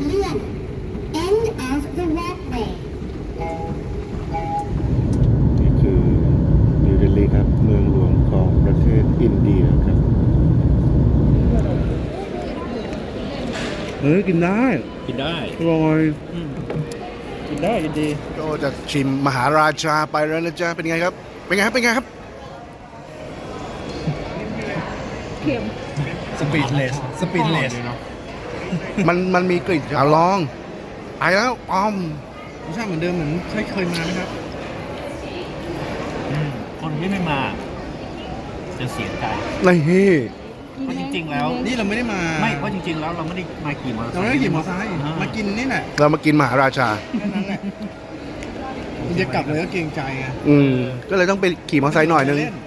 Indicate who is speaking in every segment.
Speaker 1: เลื่อน end of the walkway
Speaker 2: นี่คือนิวเดลีครับเมืองหลวงของประเทศอินเดียครับกินได้
Speaker 3: กินได้
Speaker 2: อร่อย
Speaker 3: กินได้กินดี
Speaker 2: ก็จะชิมมหาราชาไปแล้วนะจ๊ะเป็นไงครับเป็นไงครับเป็นไงครับ
Speaker 3: สปีดเลส
Speaker 2: มันมีกลิ่นอย่าลองไปแล้วอ้อม
Speaker 3: รสชาติเหมือนเดิมเหมือนเคยมาไหมครับคนที่ไม่มาจะเสียใจ
Speaker 2: นี่
Speaker 3: เพราะจริงๆแล้ว
Speaker 4: นี่เราไม่ได้มา
Speaker 3: ไม่เพราะจริงๆแล้วเราไม่ได้มาขี่มอเตอร์ไซ
Speaker 4: เรา
Speaker 3: ค์
Speaker 4: ไม่ได้ขี่มอเตอร์ไซค์มากินนี่แหละ
Speaker 2: เรามากินมหาราชา
Speaker 4: แค่นั้นแหละมันจะกลับเลยก็เกรงใจไง
Speaker 2: ก็เลยต้องไปขี่มอเตอร์ไซค์หน่อยนึง
Speaker 4: เล่น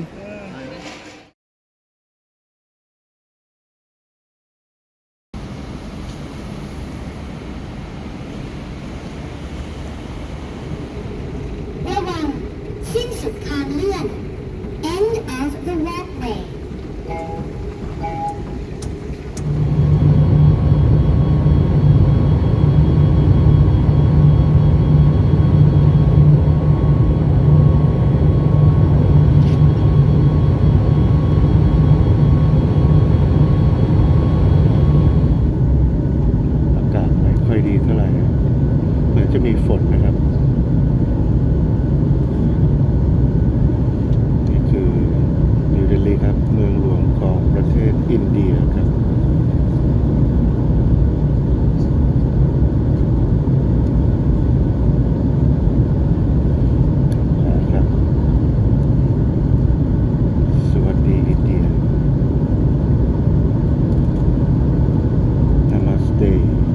Speaker 1: ระวังสิ้นสุดทางเลื่อน end of the walkway
Speaker 2: อากาศไม่ค่อยดีเท่าไหร่นะเหมือนจะมีฝนนะครับนี่คือนิวเดลีครับเมืองหลวงของประเทศอินเดียครับครับสวัสดีอินเดีย Namaste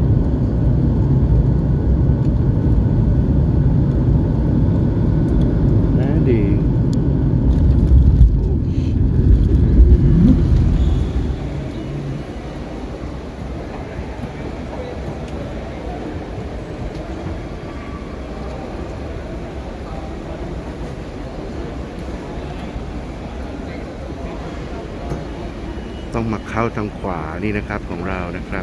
Speaker 2: landing ต้องมาเข้าทางขวานี่นะครับของเรานะครับ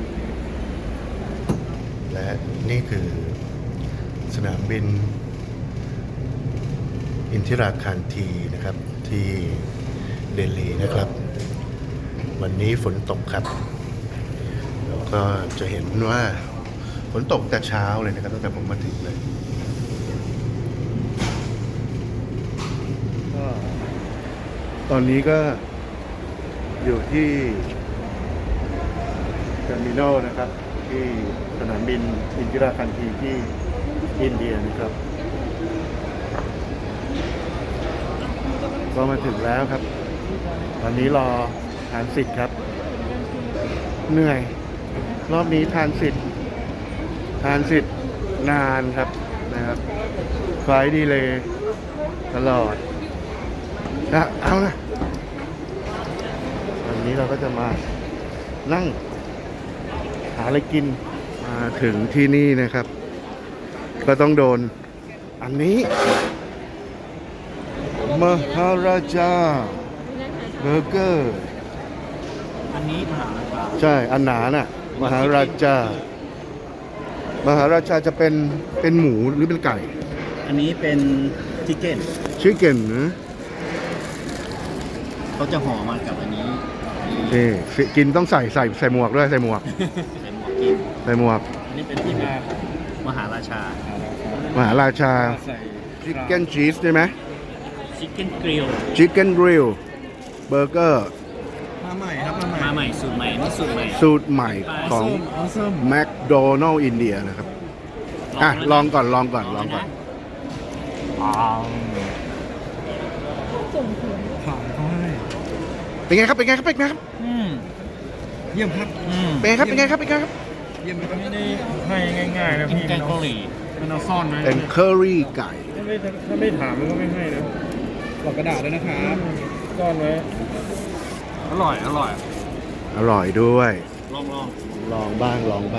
Speaker 2: และนี่คือสนามบินอินทิราคารทีนะครับที่เดลีนะครับ วันนี้ฝนตกครับแล้วก็จะเห็นว่าฝนตกแต่เช้าเลยนะครับตั้งแต่ผมมาถึงเลยก็ตอนนี้ก็อยู่ที่เทอร์มินอลนะครับที่สนามบินอินทิราคารทีที่อินเดียนะครับก็มาถึงแล้วครับตอนนี้รอทานสิทธิ์ครับเหนื่อยรอบนี้ทานสิทธิ์นานครับนะครับไฟล์ดีเลยตลอดนะเอานะวันนี้เราก็จะมานั่งหาอะไรกินมาถึงที่นี่นะครับก็ต้องโดนอันนี้มหาราชาเบอร์เกอร์
Speaker 3: อันนี้มหาราชา
Speaker 2: ใช่อันหนาน่ะมหาราชาจะเป็นหมูหรือเป็นไก่
Speaker 3: อันนี้เป็นชิคเก้น
Speaker 2: ชิคเก้นนะ
Speaker 3: เขาจะห่อมากับอันนี้
Speaker 2: นี่กินต้องใส่หมวกด้วยใส่หมวก
Speaker 3: ใส่หมวกกิน
Speaker 2: ใส่หมวก
Speaker 3: อันนี้เป็นที่มาของมหาราชา
Speaker 2: มหาราชา
Speaker 4: ใส่
Speaker 2: ชิคเก้นชีสได้ไหม
Speaker 3: ชิคเก้นกริล
Speaker 2: ชิคเก้นกริลเบอร์เกอร์
Speaker 4: มาใหม่ครับมาใหม่
Speaker 3: มาใหม่สูตรใหม่นี่สูตรใหม่
Speaker 2: สูตรใหม่ของ
Speaker 4: ส้ม
Speaker 2: แมคโดนัลล์อินเดียนะครับอ่ะลองก่อน
Speaker 4: ผ่านเขาให้
Speaker 2: เป็นไงครับ
Speaker 4: เยี่ยมครับ
Speaker 2: เป็นไงครับ
Speaker 4: เยี่ยมไหมครับ
Speaker 5: ไม่ได้ให้ง่ายๆนะ
Speaker 3: กิน
Speaker 5: พี่
Speaker 3: แกงเกาหลี
Speaker 5: มันเอาซ่อนไว้
Speaker 2: เป็นเคอรี่ไก่
Speaker 5: ถ้าไม่ถามมันก็ไม่ให้นะ
Speaker 4: หลอกกระดาษด้วยนะครับ
Speaker 5: ซ่อนไว้
Speaker 3: อร่อย
Speaker 2: อร่อยด้วย
Speaker 3: ลอง
Speaker 2: ลองบ้าง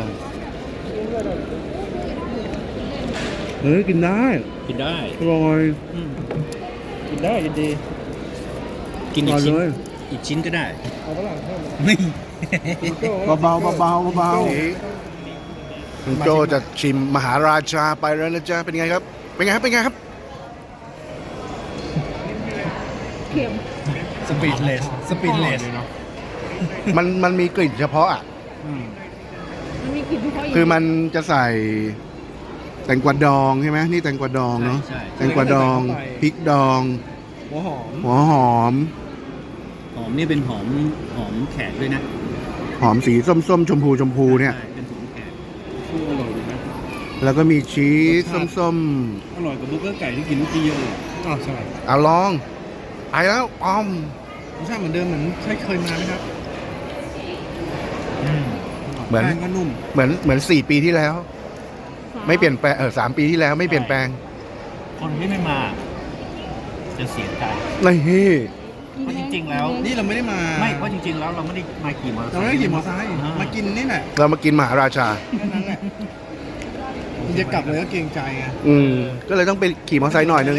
Speaker 2: กินได้
Speaker 3: กินได้
Speaker 2: อร่อย
Speaker 5: กินได้กินดี
Speaker 3: กิน
Speaker 2: อ
Speaker 3: อี
Speaker 2: ร่
Speaker 3: ก
Speaker 2: อย
Speaker 3: ชิ้น
Speaker 2: เลย
Speaker 3: อีกชิ้นก็ได้
Speaker 5: เอาฝรั่งเพิ่ม
Speaker 3: นี่
Speaker 2: เบาคุณโจจะชิมมหาราชาไปแล้วนะจ๊ะเป็นไงครับ เป็นไงครับ เป็นไงครับ
Speaker 4: สปีดเลส
Speaker 2: มันมีกลิ่นเฉพาะอ่ะ
Speaker 6: มันมีกลิ่นเฉพาะ
Speaker 2: คือมันจะใส่แตงกวาดองใช่ไหมนี่แตงกวาดองเนาะ
Speaker 3: ใช่
Speaker 2: แตงกวาดองพริกดอง
Speaker 4: หัวหอม
Speaker 2: หัวหอม
Speaker 3: หอมนี่เป็นหอมแขกด้วยนะ
Speaker 2: หอมสีส้มๆชมพูเนี่ย
Speaker 3: ใช่เป็นหอมแขก
Speaker 5: อร่อยดีนะ
Speaker 2: แล้วก็มีชีสส้ม
Speaker 5: อร่อยกว่าเบอร์เกอร์ไก่ที่กินเมื่อกี้เยอะเลย
Speaker 4: อ๋อใช่
Speaker 2: ๆเอาลองไปแล้วอ้อม
Speaker 4: รสชาติเหมือนเดิมเหมือนใช่เคยมาไหมครับ
Speaker 2: เหมือน
Speaker 4: แป้งก็นุ่ม
Speaker 2: เหมือน4 ปีที่แล้ว ไม่เปลี่ยนแปลง3 ปีที่แล้วไม่เปลี่ยนแปลง
Speaker 3: คนที่ไม่มา จะเสียใจ
Speaker 2: นี่
Speaker 3: เพราะจริงๆแล้ว
Speaker 4: นี่เราไม่ได้มา
Speaker 3: ไม่เพราะจริงๆแล้วเราไม่ได้มาขี่มอเตอร์ไซ
Speaker 4: เรา
Speaker 3: ค์
Speaker 4: ไม่ได้ขี่มอเตอร์ไซค์มากินนี่แหละ
Speaker 2: เรามากินมหาราชา
Speaker 4: แค่นั้นแหละมันจะกลับเลยก็เกรงใจไง
Speaker 2: ก็เลยต้องไปขี่มอเตอร์ไซค์หน่อยนึง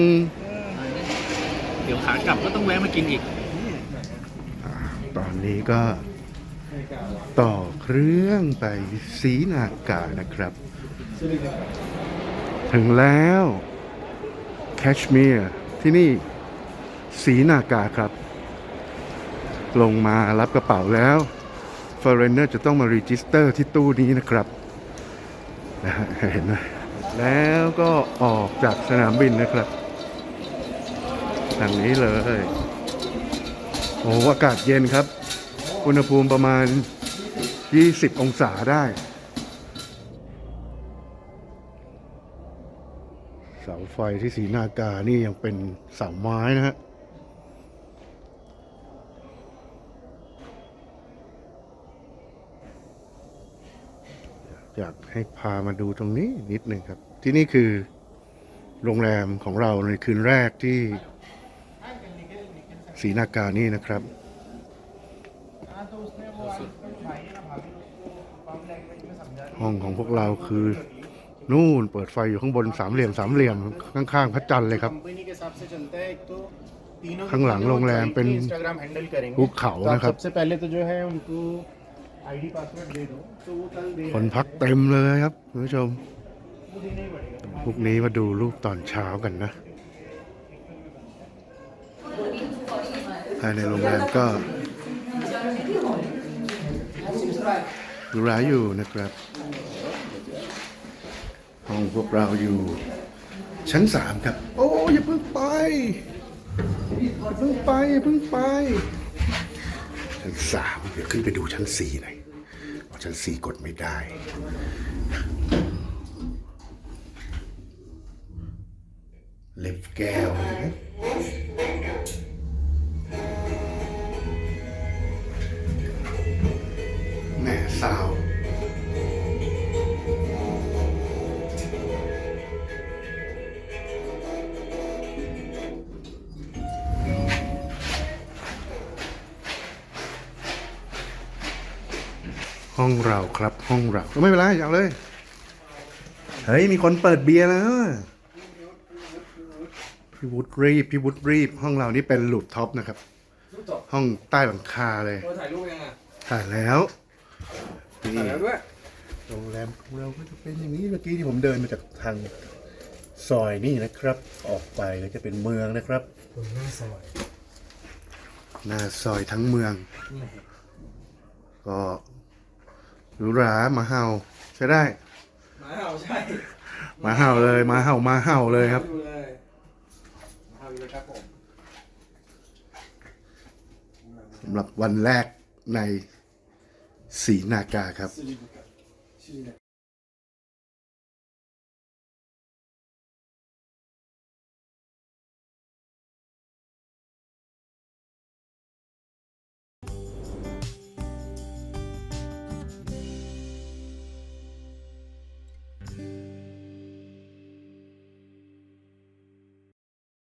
Speaker 3: เดี๋ยวขากลับก็ต้องแวะมากินอีก
Speaker 2: ตอนนี้ก็ต่อเครื่องไปศรีนากานะครับ ถึงแล้วแคชเมียร์ที่นี่ศรีนากาครับ ลงมารับกระเป๋าแล้วฟอร์เรนเนอร์จะต้องมารีจิสเตอร์ที่ตู้นี้นะครับนะฮะเห็นไหมแล้วก็ออกจากสนามบินนะครับทางนี้เลย โอ้อากาศเย็นครับ อุณหภูมิประมาณ 20 องศาได้ เสาไฟที่ศรีนากานี่ยังเป็นเสาไม้นะฮะ อยากให้พามาดูตรงนี้นิดหนึ่งครับ ที่นี่คือโรงแรมของเราในคืนแรกที่ศรีนากานี่นะครับ ห้องของพวกเราคือนู่นเปิดไฟอยู่ข้างบนสามเหลี่ยมข้างๆพระจันทร์เลยครับ ข้างหลังโรงแรมเป็นภูเขานะครับ คนพักเต็มเลยครับคุณผู้ชม พวกนี้มาดูรูปตอนเช้ากันนะ ภายในโรงแรมก็หรูหราอยู่นะครับ ห้องพวกเราอยู่ชั้น 3 ครับ โอ้อย่าเพิ่งไป อย่าเพิ่งไป ชั้น 3 เดี๋ยวขึ้นไปดูชั้น 4หน่อยเพราะชั้น 4 กดไม่ได้ เล็บแก้วนะแม่สาว ห้องเราครับห้องเราไม่เป็นไรเอาเลย เฮ้ย มีคนเปิดเบียร์แล้ว พี่วุฒิรีบห้องเรานี่เป็นลูปท็อปนะครับ ห้องใต้หลังคาเลย
Speaker 4: ถ่ายรูปยังอ่ะ
Speaker 2: ถ่ายแล้วนี่
Speaker 4: ถ่ายแล้วด้วย
Speaker 2: โรงแรมของเราก็จะเป็นอย่างนี้เมื่อกี้ที่ผมเดินมาจากทางซอยนี่นะครับ ออกไปก็จะเป็นเมืองนะครับ
Speaker 4: หน้าซอย
Speaker 2: หน้าซอยทั้งเมือง ก็หรูหราหมาเห่าใช้ได้
Speaker 4: หมาเห่าใช่
Speaker 2: หมาเห่าเลยหมาเห่าเลยครับ
Speaker 4: ดูเลยหมาเห่าอยู่เลยครับผม
Speaker 2: สำหรับวันแรกในศรีนากาครับ
Speaker 4: ชื่อนะ